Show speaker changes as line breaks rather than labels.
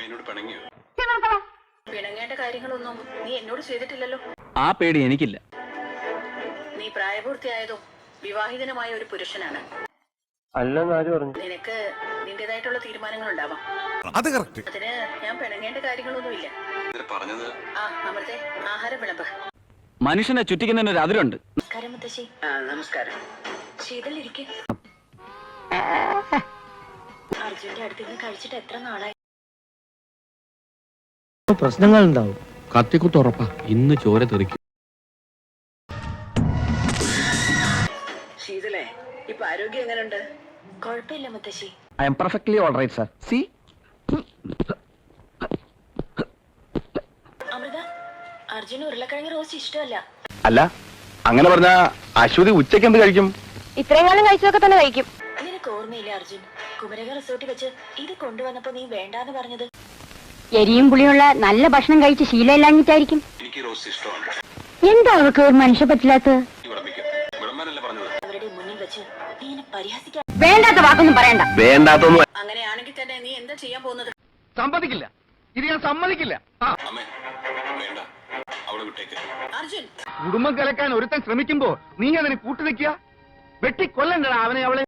എന്നോട് പിണങ്ങിയോ? പിണങ്ങേണ്ട കാര്യങ്ങളൊന്നും നീ എന്നോട് ചെയ്തിട്ടില്ലല്ലോ.
ആ പേടി എനിക്കില്ല.
നീ പ്രായപൂർത്തിയായതോ വിവാഹിതനുമായ ഒരു പുരുഷനാണ്. നിനക്ക് നിന്റേതായിട്ടുള്ള തീരുമാനങ്ങൾ ഉണ്ടാവാം. അതിന് ഞാൻ പിണങ്ങേണ്ട കാര്യങ്ങളൊന്നുമില്ല. അമൃതേ, ആഹാരം വിളമ്പ്.
മനുഷ്യനെ ചുറ്റിക്കുന്നതിന് ഒരു അതിരുണ്ട്.
നമസ്കാരം മുത്തശ്ശി. നമസ്കാരം. ശീതളിരിക്കെ. അർജുന്റെ അടുത്തിരുന്ന് കഴിച്ചിട്ട് എത്ര നാളായി?
പ്രശ്നങ്ങൾ ഉണ്ടാവും.
കത്തിക്കുത്തുറപ്പാ, ഇന്ന് ചോര തെറിക്കും.
ശീതളേ, ഇപ്പൊ ആരോഗ്യം എങ്ങനെയുണ്ട്? കുഴപ്പമില്ല മുത്തശ്ശി.
I am perfectly all right sir. സി
അമൃത, അർജുന് ഉരുളക്കിഴങ്ങ് റോസ്റ്റ് ഇഷ്ടമല്ല.
അല്ല, അങ്ങനെ പറഞ്ഞ അശ്വതി ഉച്ചയ്ക്ക് എന്ത് കഴിക്കും?
ഇത്രയും കാലം കഴിച്ചതൊക്കെ തന്നെ കഴിക്കും.
നിനക്ക് ഓർമ്മയില്ല അർജുൻ, കുമരക റിസോർട്ടിൽ വെച്ച് ഇത് കൊണ്ടുവന്നപ്പോ നീ വേണ്ടാന്ന് പറഞ്ഞത്?
എരിയും പുളിയുള്ള നല്ല ഭക്ഷണം കഴിച്ച് ശീലമില്ലാഞ്ഞിട്ടായിരിക്കും.
എനിക്ക് റോസ്റ്റ് ഇഷ്ടമാണ്.
എന്താ അവർക്ക് ഒരു മനുഷ്യ പറ്റില്ലാത്തത്?
അവരുടെ മുന്നിൽ വെച്ച് നീ എന്നെ പരിഹസിക്കാൻ.
വേണ്ടാത്ത വാക്കൊന്നും പറയണ്ട.
വേണ്ടാത്തൊന്നും.
അങ്ങനെയാണെങ്കിൽ തന്നെ നീ എന്താ ചെയ്യാൻ പോകുന്നത്?
സമ്മതിക്കില്ല, ഇത് ഞാൻ സമ്മതിക്കില്ല.
അർജുൻ,
കുടുംബം കലക്കാൻ ഒരുത്തൻ ശ്രമിക്കുമ്പോ നീ അതിന് കൂട്ടുനിൽക്കുക? വെട്ടിക്കൊല്ലണ്ടടാ അവനെ അവളെ.